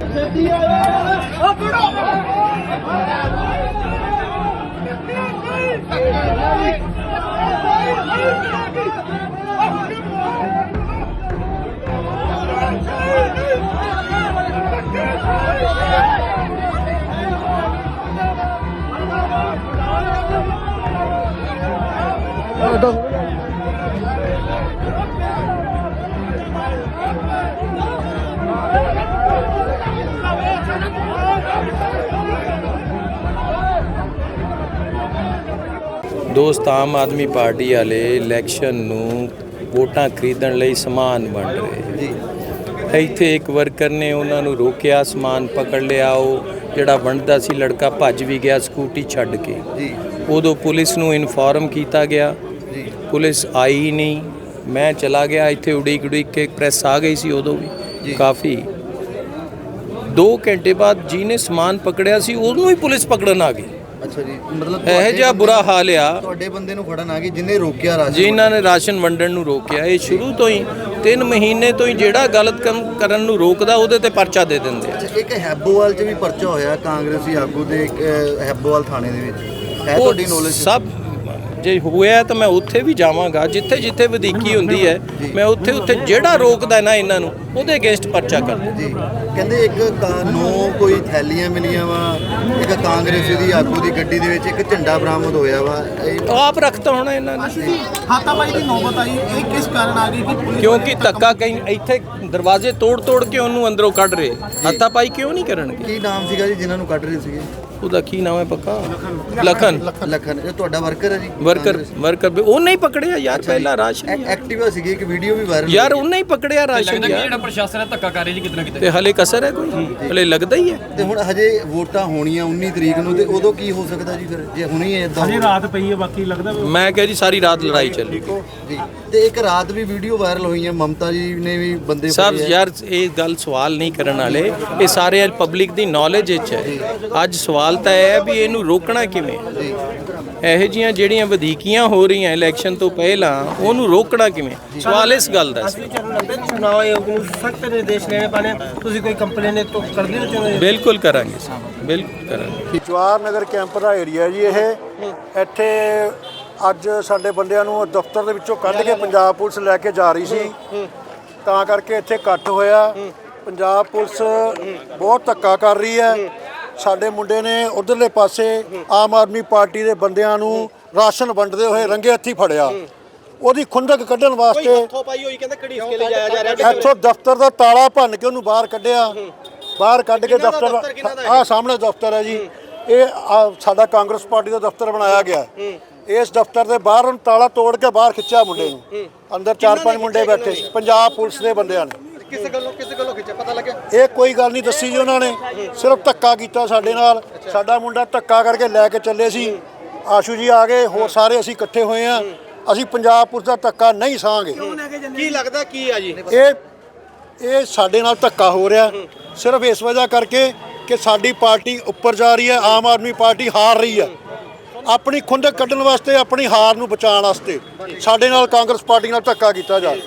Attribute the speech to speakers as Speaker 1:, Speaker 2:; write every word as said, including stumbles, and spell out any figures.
Speaker 1: ਦੋਸਤ ਆਮ ਆਦਮੀ ਪਾਰਟੀ ਵਾਲੇ ਇਲੈਕਸ਼ਨ ਨੂੰ ਵੋਟਾਂ ਖਰੀਦਣ ਲਈ ਸਮਾਨ ਵੰਡ ਰਹੇ ਜੀ। ਇੱਥੇ ਇੱਕ ਵਰਕਰ ਨੇ ਉਹਨਾਂ ਨੂੰ ਰੋਕਿਆ, ਸਮਾਨ ਪਕੜ ਲਿਆ। ਉਹ ਜਿਹੜਾ ਵੰਡਦਾ ਸੀ ਲੜਕਾ ਭੱਜ ਵੀ ਗਿਆ ਸਕੂਟੀ ਛੱਡ ਕੇ ਜੀ। ਉਦੋਂ ਪੁਲਿਸ ਨੂੰ ਇਨਫੋਰਮ ਕੀਤਾ ਗਿਆ ਜੀ, ਪੁਲਿਸ ਆਈ ਨਹੀਂ। ਮੈਂ ਚਲਾ ਗਿਆ, ਇੱਥੇ ਉਡੀਕ ਉਡੀਕ ਕੇ ਪ੍ਰੈਸ ਆ ਗਈ ਸੀ ਉਦੋਂ ਵੀ ਕਾਫੀ। ਦੋ ਘੰਟੇ ਬਾਅਦ ਜਿਹਨੇ ਸਮਾਨ ਪਕੜਿਆ ਸੀ ਉਹਨੂੰ ਹੀ ਪੁਲਿਸ ਪਕੜਨ ਆ ਗਈ।
Speaker 2: ਅੱਛਾ ਜੀ, ਮਤਲਬ
Speaker 1: ਇਹ ਜਿਹਾ ਬੁਰਾ ਹਾਲ ਆ।
Speaker 2: ਤੁਹਾਡੇ ਬੰਦੇ ਨੂੰ ਫੜਨ ਆ ਗਈ ਜਿਹਨੇ ਰੋਕਿਆ ਰਾਸ਼ਨ,
Speaker 1: ਜਿਨ੍ਹਾਂ ਨੇ ਰਾਸ਼ਨ ਵੰਡਣ ਨੂੰ ਰੋਕਿਆ। ਇਹ ਸ਼ੁਰੂ ਤੋਂ ਹੀ ਤਿੰਨ ਮਹੀਨੇ ਤੋਂ ਹੀ ਜਿਹੜਾ ਗਲਤ ਕੰਮ ਕਰਨ ਨੂੰ ਰੋਕਦਾ ਉਹਦੇ ਤੇ ਪਰਚਾ ਦੇ ਦਿੰਦੇ ਆ।
Speaker 2: ਇੱਕ ਹੈਬੋਵਾਲ 'ਚ ਵੀ ਪਰਚਾ ਹੋਇਆ ਕਾਂਗਰਸੀ ਆਗੂ ਦੇ ਹੈਬੋਵਾਲ ਥਾਣੇ ਦੇ ਵਿੱਚ, ਹੈ ਤੁਹਾਡੀ ਨੌਲੇਜ?
Speaker 1: ਸਭ ਜੇ ਹੋਇਆ ਤਾਂ ਮੈਂ ਉੱਥੇ ਵੀ ਜਾਵਾਂਗਾ, ਜਿੱਥੇ ਜਿੱਥੇ ਵਧੀਕੀ ਹੁੰਦੀ ਹੈ ਮੈਂ ਉੱਥੇ ਉੱਥੇ ਜਿਹੜਾ ਰੋਕਦਾ ਨਾ ਇਹਨਾਂ ਨੂੰ ਉਹਦੇ ਅਗੇਂਸਟ ਪਰਚਾ ਕਰਦਾ
Speaker 2: ਜੀ। ਕਹਿੰਦੇ ਇੱਕ ਨੌ ਕੋਈ ਥੈਲੀਆਂ ਮਿਲੀਆਂ ਵਾ, ਇੱਕ ਕਾਂਗਰਸ ਦੀ ਆਗੂ ਦੀ ਗੱਡੀ ਦੇ ਵਿੱਚ ਇੱਕ ਝੰਡਾ ਬਰਾਮਦ ਹੋਇਆ ਵਾ।
Speaker 1: ਆਪ ਰੱਖਤਾ ਹੋਣਾ ਇਹਨਾਂ ਨੇ।
Speaker 3: ਹਾਤਾਬਾਈ ਦੀ ਨੌਬਤ ਆਈ, ਇਹ ਕਿਸ ਕਾਰਨ ਆ ਗਈ ਕਿ ਪੁਲਿਸ
Speaker 1: ਕਿਉਂਕਿ ਧੱਕਾ ਕਈ ਇੱਥੇ ਦਰਵਾਜ਼ੇ ਤੋੜ ਤੋੜ ਕੇ ਉਹਨੂੰ ਅੰਦਰੋਂ ਕੱਢ ਰਹੇ। ਹਾਤਾਪਾਈ ਕਿਉਂ ਨਹੀਂ ਕਰਨਗੇ?
Speaker 2: ਕੀ ਨਾਮ ਸੀਗਾ ਜੀ ਜਿਨ੍ਹਾਂ ਨੂੰ ਕੱਢ ਰਹੇ ਸੀਗੇ?
Speaker 1: ਉਹਦਾ ਕੀ ਨਾਮ ਹੈ ਪੱਕਾ? ਲਖਨ।
Speaker 2: ਲਖਨ ਇਹ ਤੁਹਾਡਾ ਵਰਕਰ ਹੈ ਜੀ?
Speaker 1: ਵਰਕਰ ਵਰਕਰ ਉਹਨੇ ਹੀ ਪਕੜਿਆ ਯਾਰ ਪਹਿਲਾਂ ਰਾਸ਼ਨ।
Speaker 2: ਐਕਟਿਵਾ ਸੀਗੀ, ਇੱਕ ਵੀਡੀਓ ਵੀ ਵਾਇਰਲ
Speaker 1: ਯਾਰ ਉਹਨੇ ਹੀ ਪਕੜਿਆ ਰਾਸ਼ਨ ਯਾਰ।
Speaker 4: ਜਿਹੜਾ ਪ੍ਰਸ਼ਾਸਨ ਹੈ ਧੱਕਾ ਕਰ ਰਿਹਾ ਜੀ ਕਿਤੇ ਨਾ ਕਿਤੇ,
Speaker 1: ਤੇ ਹਲੇ ਕਸਰ ਹੈ ਕੋਈ? ਹਲੇ ਲੱਗਦਾ ਹੀ ਹੈ।
Speaker 2: ਤੇ ਹੁਣ ਹਜੇ ਵੋਟਾਂ ਹੋਣੀਆਂ ਉੱਨੀ ਤਰੀਕ ਨੂੰ, ਤੇ ਉਦੋਂ ਕੀ ਹੋ ਸਕਦਾ ਜੀ ਫਿਰ ਜੇ ਹੁਣੀ ਇਦਾਂ?
Speaker 3: ਹਜੇ ਰਾਤ ਪਈ ਹੈ, ਬਾਕੀ ਲੱਗਦਾ
Speaker 1: ਮੈਂ ਕਿਹਾ ਜੀ ਸਾਰੀ ਰਾਤ ਲੜਾਈ ਚੱਲੀ
Speaker 2: ਜੀ। ਤੇ ਇੱਕ ਰਾਤ ਵੀ ਵੀਡੀਓ ਵਾਇਰਲ ਹੋਈ ਹੈ, ਮਮਤਾ ਜੀ ਨੇ ਵੀ ਬੰਦੇ
Speaker 1: ਸਭ ਯਾਰ ਇਹ ਗੱਲ ਸਵਾਲ ਨਹੀਂ ਕਰਨ ਵਾਲੇ, ਇਹ ਸਾਰੇ ਪਬਲਿਕ ਦੀ ਨੌਲੇਜ ਵਿੱਚ ਹੈ। ਅੱਜ ਸਵਾਲ ਤਾਂ ਇਹ ਹੈ ਵੀ ਇਹਨੂੰ ਰੋਕਣਾ ਕਿਵੇਂ। ਇਹੋ ਜਿਹੀਆਂ ਜਿਹੜੀਆਂ ਵਧੀਕੀਆਂ ਹੋ ਰਹੀਆਂ ਇਲੈਕਸ਼ਨ ਤੋਂ ਪਹਿਲਾਂ ਉਹਨੂੰ ਰੋਕਣਾ ਕਿਵੇਂ, ਸਵਾਲ ਇਸ ਗੱਲ ਦਾ ਸੀ।
Speaker 3: ਚੁਣਾਵ ਆਯੋਗ ਨੂੰ ਸਖਤ ਨਿਰਦੇਸ਼ ਲੈਣੇ ਪੈਣੇ। ਤੁਸੀਂ ਕੋਈ ਕੰਪਲੇਨ ਤੋਂ ਕਰਦੇ ਹੋ ਚਾਹੁੰਦੇ?
Speaker 1: ਬਿਲਕੁਲ ਕਰਾਂਗੇ, ਬਿਲਕੁਲ ਕਰਾਂਗੇ।
Speaker 5: ਜਵਾਹਰ ਨਗਰ ਕੈਂਪ ਦਾ ਏਰੀਆ ਜੀ ਇਹ। ਇੱਥੇ ਅੱਜ ਸਾਡੇ ਬੰਦਿਆਂ ਨੂੰ ਦਫ਼ਤਰ ਦੇ ਵਿੱਚੋਂ ਕੱਢ ਕੇ ਪੰਜਾਬ ਪੁਲਿਸ ਲੈ ਕੇ ਜਾ ਰਹੀ ਸੀ, ਤਾਂ ਕਰਕੇ ਇੱਥੇ ਇਕੱਠ ਹੋਇਆ। ਪੰਜਾਬ ਪੁਲਿਸ ਬਹੁਤ ਧੱਕਾ ਕਰ ਰਹੀ ਹੈ। ਸਾਡੇ ਮੁੰਡੇ ਨੇ ਉਧਰਲੇ ਪਾਸੇ ਆਮ ਆਦਮੀ ਪਾਰਟੀ ਦੇ ਬੰਦਿਆਂ ਨੂੰ ਰਾਸ਼ਨ ਵੰਡਦੇ ਹੋਏ ਰੰਗੇ ਹੱਥੀ ਫੜਿਆ। ਉਹਦੀ ਖੁੰਦਕ ਕੱਢਣ ਵਾਸਤੇ ਇੱਥੋਂ ਦਫ਼ਤਰ ਦਾ ਤਾਲਾ ਭੰਨ ਕੇ ਉਹਨੂੰ ਬਾਹਰ ਕੱਢਿਆ। ਬਾਹਰ ਕੱਢ ਕੇ ਦਫ਼ਤਰ, ਆਹ ਸਾਹਮਣੇ ਦਫ਼ਤਰ ਹੈ ਜੀ, ਇਹ ਸਾਡਾ ਕਾਂਗਰਸ ਪਾਰਟੀ ਦਾ ਦਫ਼ਤਰ ਬਣਾਇਆ ਗਿਆ। ਇਸ ਦਫ਼ਤਰ ਦੇ ਬਾਹਰ ਉਹਨੂੰ ਤਾਲਾ ਤੋੜ ਕੇ ਬਾਹਰ ਖਿੱਚਿਆ ਮੁੰਡੇ ਨੂੰ। ਅੰਦਰ ਚਾਰ ਪੰਜ ਮੁੰਡੇ ਬੈਠੇ, ਪੰਜਾਬ ਪੁਲਿਸ ਦੇ ਬੰਦਿਆਂ ਨੇ।
Speaker 2: ਕਿਸੇ ਗੱਲੋਂ ਕਿਸੇ ਗੱਲੋਂ ਖਿੱਚਿਆ ਪਤਾ ਲੱਗਿਆ?
Speaker 5: ਇਹ ਕੋਈ ਗੱਲ ਨਹੀਂ ਦੱਸੀ ਜੀ ਉਹਨਾਂ ਨੇ, ਸਿਰਫ ਧੱਕਾ ਕੀਤਾ ਸਾਡੇ ਨਾਲ। ਸਾਡਾ ਮੁੰਡਾ ਧੱਕਾ ਕਰਕੇ ਲੈ ਕੇ ਚੱਲੇ ਸੀ। ਆਸ਼ੂ ਜੀ ਆ ਗਏ, ਹੋਰ ਸਾਰੇ ਅਸੀਂ ਇਕੱਠੇ ਹੋਏ ਆ। ਅਸੀਂ ਪੰਜਾਬ ਪੁਲਿਸ ਦਾ ਧੱਕਾ ਨਹੀਂ ਸਹਾਂਗੇ।
Speaker 2: ਕੀ ਲੱਗਦਾ ਕੀ ਆ ਜੀ?
Speaker 5: ਇਹ ਇਹ ਸਾਡੇ ਨਾਲ ਧੱਕਾ ਹੋ ਰਿਹਾ ਸਿਰਫ ਇਸ ਵਜ੍ਹਾ ਕਰਕੇ ਕਿ ਸਾਡੀ ਪਾਰਟੀ ਉੱਪਰ ਜਾ ਰਹੀ ਹੈ, ਆਮ ਆਦਮੀ ਪਾਰਟੀ ਹਾਰ ਰਹੀ ਹੈ। ਆਪਣੀ ਖੁੰਦਕ ਕੱਢਣ ਵਾਸਤੇ, ਆਪਣੀ ਹਾਰ ਨੂੰ ਬਚਾਉਣ ਵਾਸਤੇ ਸਾਡੇ ਨਾਲ ਕਾਂਗਰਸ ਪਾਰਟੀ ਨਾਲ ਧੱਕਾ ਕੀਤਾ ਜਾ ਰਿਹਾ।